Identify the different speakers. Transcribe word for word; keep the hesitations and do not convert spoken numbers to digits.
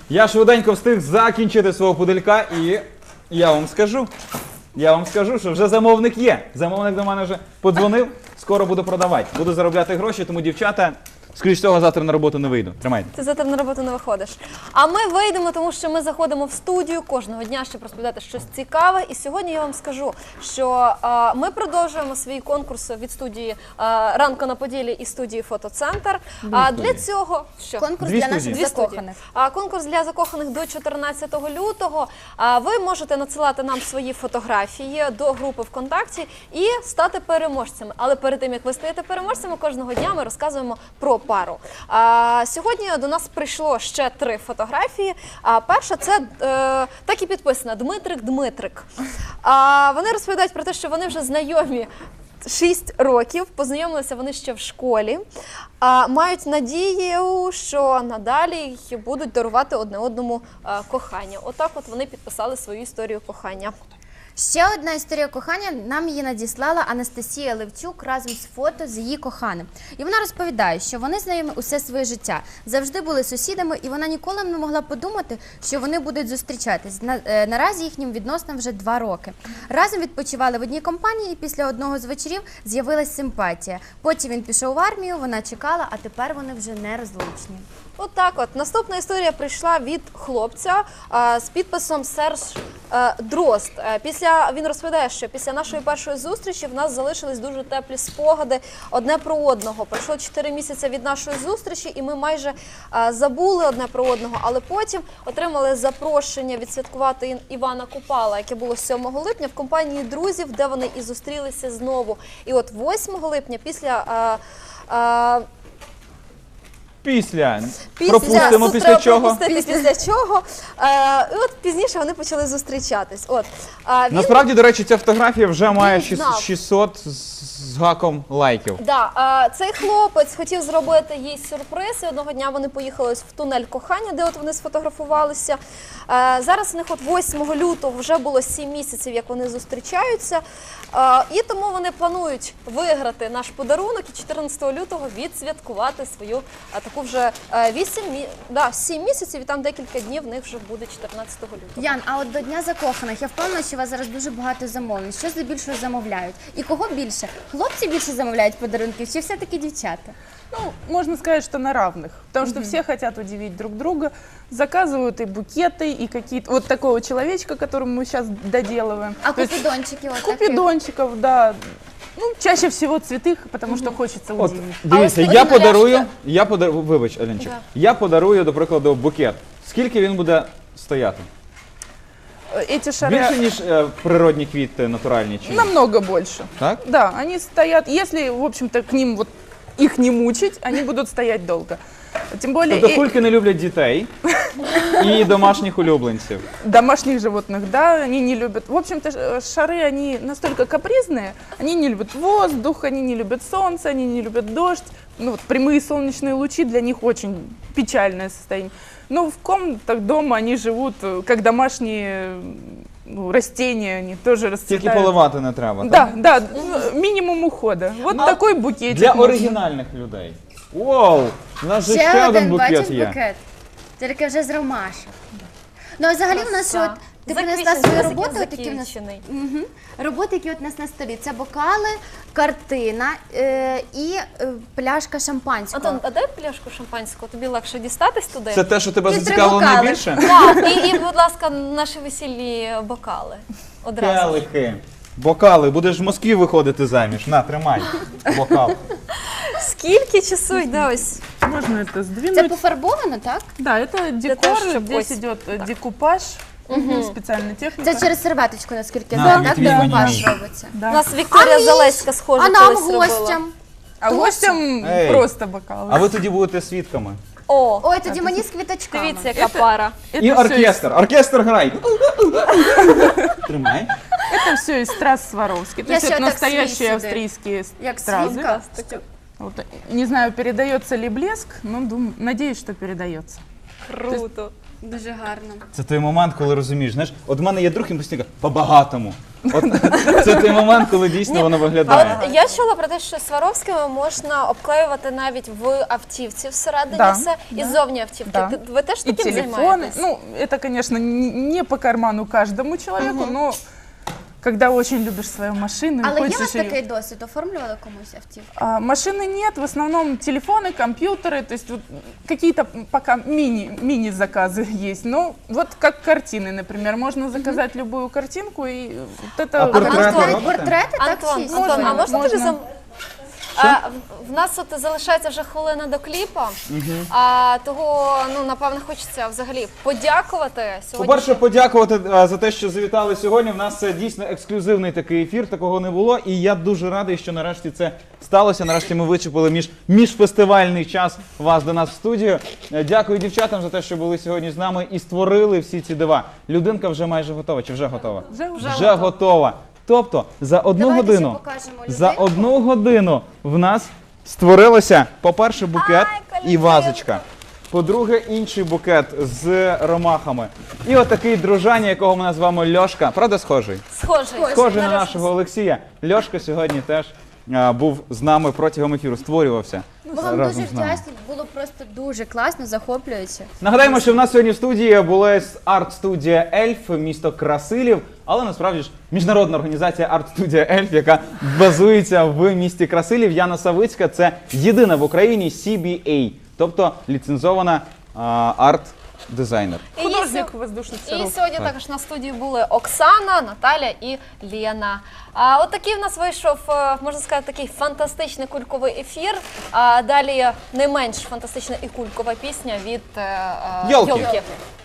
Speaker 1: Я швиденько встиг закінчити свого пуделька і я вам скажу, я вам скажу, що вже замовник є. Замовник до мене вже подзвонив, скоро буду продавати. Буду заробляти гроші, тому, дівчата, скоріш всього, завтра на роботу не вийду. Тримайте.
Speaker 2: Ти завтра на роботу не виходиш. А ми вийдемо, тому що ми заходимо в студію кожного дня, щоб розповідати щось цікаве. І сьогодні я вам скажу, що а, ми продовжуємо свій конкурс від студії а, «Ранку на Поділі» і студії «Фотоцентр». А для цього що?
Speaker 3: Конкурс
Speaker 1: Дві
Speaker 3: для
Speaker 1: студії.
Speaker 3: наших
Speaker 2: Дві студії.
Speaker 3: закоханих.
Speaker 2: А, конкурс для закоханих до чотирнадцятого лютого. А, ви можете надсилати нам свої фотографії до групи ВКонтакті і стати переможцями. Але перед тим, як ви стаєте переможцями, кожного дня ми розказуємо про пару. А, сьогодні до нас прийшло ще три фотографії. А, перша – це е, так і підписана «Дмитрик Дмитрик». А, вони розповідають про те, що вони вже знайомі шість років, познайомилися вони ще в школі, а, мають надію, що надалі будуть дарувати одне одному а, кохання. Отак от вони підписали свою історію кохання.
Speaker 3: Ще одна історія кохання, нам її надіслала Анастасія Левчук разом з фото з її коханим. І вона розповідає, що вони знайомі усе своє життя, завжди були сусідами, і вона ніколи не могла подумати, що вони будуть зустрічатись. На, е, наразі їхнім відносинам вже два роки. Разом відпочивали в одній компанії, і після одного з вечорів з'явилась симпатія. Потім він пішов в армію, вона чекала, а тепер вони вже нерозлучні.
Speaker 2: Отак от. Наступна історія прийшла від хлопця а, з підписом Серж а, Дрозд. А, після, він розповідає, що після нашої першої зустрічі в нас залишились дуже теплі спогади одне про одного. Пройшло чотири місяці від нашої зустрічі, і ми майже а, забули одне про одного, але потім отримали запрошення відсвяткувати Ін- Івана Купала, яке було сьомого липня в компанії друзів, де вони і зустрілися знову. І от восьмого липня після... А, а,
Speaker 1: Після.
Speaker 2: Після,
Speaker 1: Пропустимо
Speaker 2: тут
Speaker 1: після
Speaker 2: треба
Speaker 1: чого.
Speaker 2: пропустити після чого. Е, і от пізніше вони почали зустрічатись. От, е, він,
Speaker 1: Насправді, до речі, ця фотографія вже має
Speaker 2: Він знав.
Speaker 1: шістсот з гаком лайків.
Speaker 2: да, е, цей хлопець хотів зробити їй сюрприз, і одного дня вони поїхали в тунель кохання, де от вони сфотографувалися. Е, зараз у них от восьмого лютого вже було сім місяців, як вони зустрічаються. Е, і тому вони планують виграти наш подарунок і чотирнадцятого лютого відсвяткувати свою е, таку вже е, вісім, мі- да, сім місяців, і там декілька днів в них вже буде чотирнадцятого лютого.
Speaker 3: Ян, а от до Дня закоханих, я впевнена, що у вас зараз дуже багато замовлень. Що здебільшого замовляють? І кого більше? Хлопці більше замовляють подарунків, чи все-таки дівчата?
Speaker 4: Ну, можно сказать, что на равных, потому что все хотят удивить друг друга, заказывают и букеты, и какие-то вот такого человечка, которому мы сейчас доделываем.
Speaker 3: А
Speaker 4: То есть
Speaker 3: купідончики от таких?
Speaker 4: купидончиков, да, ну, чаще всего цветных, потому что хочется
Speaker 1: От,
Speaker 4: удивить.
Speaker 1: дивіться,
Speaker 3: ось
Speaker 1: я
Speaker 3: ось
Speaker 1: подарую,
Speaker 3: нарешті-
Speaker 1: я подарую, вибач, Алінчик,
Speaker 2: Да.
Speaker 1: я подарую, до прикладу, букет. Скільки він буде стояти?
Speaker 4: Эти шары
Speaker 1: Більше, ніж е, природні квіти, натуральні чи ні?
Speaker 4: намного больше.
Speaker 1: Так?
Speaker 4: Да, они стоят, если, в общем-то, к ним вот их не мучить, они будут стоять долго. Тем более
Speaker 1: Тобто
Speaker 4: и
Speaker 1: кульки не люблять дітей і домашніх улюбленців.
Speaker 4: домашних животных, да, они не любят. В общем-то, ш- шары, они настолько капризные, они не любят воздух, они не любят солнце, они не любят дождь. Ну, вот прямые солнечные лучи для них очень печальное состояние. Но в комнатах дома они живут, э, как домашние ну, растения, они тоже
Speaker 1: Тільки
Speaker 4: расцветают.
Speaker 1: поливати не треба.
Speaker 4: Да,
Speaker 1: так?
Speaker 4: да, ну, минимум ухода. Вот такой букетик.
Speaker 1: Для
Speaker 4: можно.
Speaker 1: оригінальних людей. Вау! У нас же ще,
Speaker 3: Ще
Speaker 1: один
Speaker 3: один,
Speaker 1: букет
Speaker 3: бачиш,
Speaker 1: є.
Speaker 3: букет. Тільки вже з ромашок. Ну, а взагалі в нас, що от, ти принесла
Speaker 2: Заквічений,
Speaker 3: свою
Speaker 2: ось
Speaker 3: роботу,
Speaker 2: такий
Speaker 3: такі в нас
Speaker 2: закінчений.
Speaker 3: Мгм. роботи, які от у нас на столі. Це бокали, картина е, і е, пляшка шампанського.
Speaker 2: Антон, а дай пляшку шампанського, тобі легше дістатись туди.
Speaker 1: Це те, що тебе
Speaker 3: Ти три
Speaker 1: зацікавило
Speaker 3: бокали.
Speaker 1: найбільше?
Speaker 2: Так, і, і, будь ласка, наші весільні бокали. Одразу.
Speaker 1: Келихи. Бокали, будеш в Москві виходити заміж. На, тримай. Бокал.
Speaker 2: Скільки часу йде ось?
Speaker 4: Можно это
Speaker 3: Це
Speaker 4: сдвинуть.
Speaker 3: пофарбовано, так?
Speaker 4: Да, это декор,
Speaker 2: того, чтобы
Speaker 4: здесь
Speaker 2: ось-
Speaker 4: идет э, декупаж, специальная техника.
Speaker 3: Це через серветочку, наскільки я
Speaker 1: На,
Speaker 3: знаю, так?
Speaker 1: відвізь мені
Speaker 3: Декупаж
Speaker 1: мій.
Speaker 3: робиться.
Speaker 4: Да.
Speaker 2: У нас Вікторія
Speaker 3: А мій?
Speaker 2: Залеська схожа
Speaker 3: А нам,
Speaker 2: колись робила.
Speaker 3: гостям?
Speaker 4: А гостям
Speaker 1: Эй.
Speaker 4: просто бокалы.
Speaker 1: А ви тоді будете свідками.
Speaker 2: О,
Speaker 3: Ой, тоді мені з квіточками.
Speaker 2: дивіться, яка пара.
Speaker 4: Это
Speaker 1: І
Speaker 4: всё
Speaker 1: оркестр. Оркестр грай. Тримай.
Speaker 4: Это все из трасс Сваровски. То
Speaker 3: Я
Speaker 4: есть
Speaker 3: ще
Speaker 4: это
Speaker 3: так свій
Speaker 4: настоящие
Speaker 3: сюди.
Speaker 4: австрийские с-
Speaker 3: Як
Speaker 4: стразы.
Speaker 3: свинка.
Speaker 4: Вот, не знаю, передается ли блеск, но дум- надеюсь, что передается.
Speaker 2: Круто.
Speaker 3: Дуже гарно.
Speaker 1: Це той момент, коли розумієш, знаєш, от в мене є друг, і постійно каже, по-багатому. От це той момент, коли дійсно воно
Speaker 2: А
Speaker 1: виглядає.
Speaker 2: от я чула про те, що Сваровськими можна обклеювати навіть в автівці всередині
Speaker 4: Да,
Speaker 2: все і
Speaker 4: да.
Speaker 2: зовні автівки.
Speaker 4: Да.
Speaker 2: Ти- Ви теж
Speaker 4: И
Speaker 2: таким
Speaker 4: телефоны.
Speaker 2: займаєтесь?
Speaker 4: Ну, это, конечно, н- не по карману каждому человеку, но когда очень любишь свою машину и
Speaker 3: Але є у
Speaker 4: хочешь
Speaker 3: вас
Speaker 4: её-
Speaker 3: такий досвід? Оформлювали комусь автівку?
Speaker 4: А, машины нет, в основном телефоны, компьютеры, то есть вот какие-то пока мини, мини-заказы есть. Но вот как картины, например, можно заказать любую картинку и вот это...
Speaker 1: А портрети
Speaker 3: Навіть
Speaker 1: робите?
Speaker 3: портрети так
Speaker 2: Антон,
Speaker 3: всі?
Speaker 2: Антон, а
Speaker 4: Можна,
Speaker 2: можна тобі
Speaker 4: можна.
Speaker 2: зам... А, в- в нас от залишається вже хвилина до кліпа, а того, ну, напевно, хочеться взагалі подякувати сьогодні.
Speaker 1: По-перше, подякувати е, за те, що завітали сьогодні. В нас е, дійсно ексклюзивний такий ефір, такого не було. І я дуже радий, що нарешті це сталося. Нарешті ми вичепили між, міжфестивальний час вас до нас в студію. Е, Дякую дівчатам за те, що були сьогодні з нами і створили всі ці дива. Людинка вже майже готова. Чи вже готова?
Speaker 4: Вже, вже.
Speaker 1: Вже готова. Тобто за одну
Speaker 3: Давайте ще
Speaker 1: годину,
Speaker 3: покажемо
Speaker 1: за
Speaker 3: людинку.
Speaker 1: одну годину в нас створилося, по-перше, букет і вазочка. По-друге, інший букет з ромахами. І отакий дружання, якого ми назвемо Льошка. Правда, схожий?
Speaker 2: Схожий.
Speaker 1: Схожий на
Speaker 2: Зараз
Speaker 1: нашого Олексія. Льошка сьогодні теж а, був з нами протягом ефіру, створювався
Speaker 3: Ми вам
Speaker 1: разом
Speaker 3: дуже
Speaker 1: з нами.
Speaker 3: вдячні, було просто дуже класно, захоплююче.
Speaker 1: Нагадаємо, що в нас сьогодні в студії була арт-студія Ельф, місто Красилів, але насправді ж міжнародна організація арт-студія Ельф, яка базується в місті Красилів. Яна Савицька – це єдина в Україні сі бі ей, тобто ліцензована а, арт-дизайнер.
Speaker 2: І їй
Speaker 4: Художник
Speaker 2: сьо-
Speaker 4: воздушных
Speaker 2: І
Speaker 4: шаров.
Speaker 2: сьогодні також на студії були Оксана, Наталя і Лена. А от такий в нас вийшов, е, можна сказати, такий фантастичний кульковий ефір. А далі не менш фантастична і кулькова пісня від е, е,
Speaker 1: Йолки.
Speaker 2: Йолки.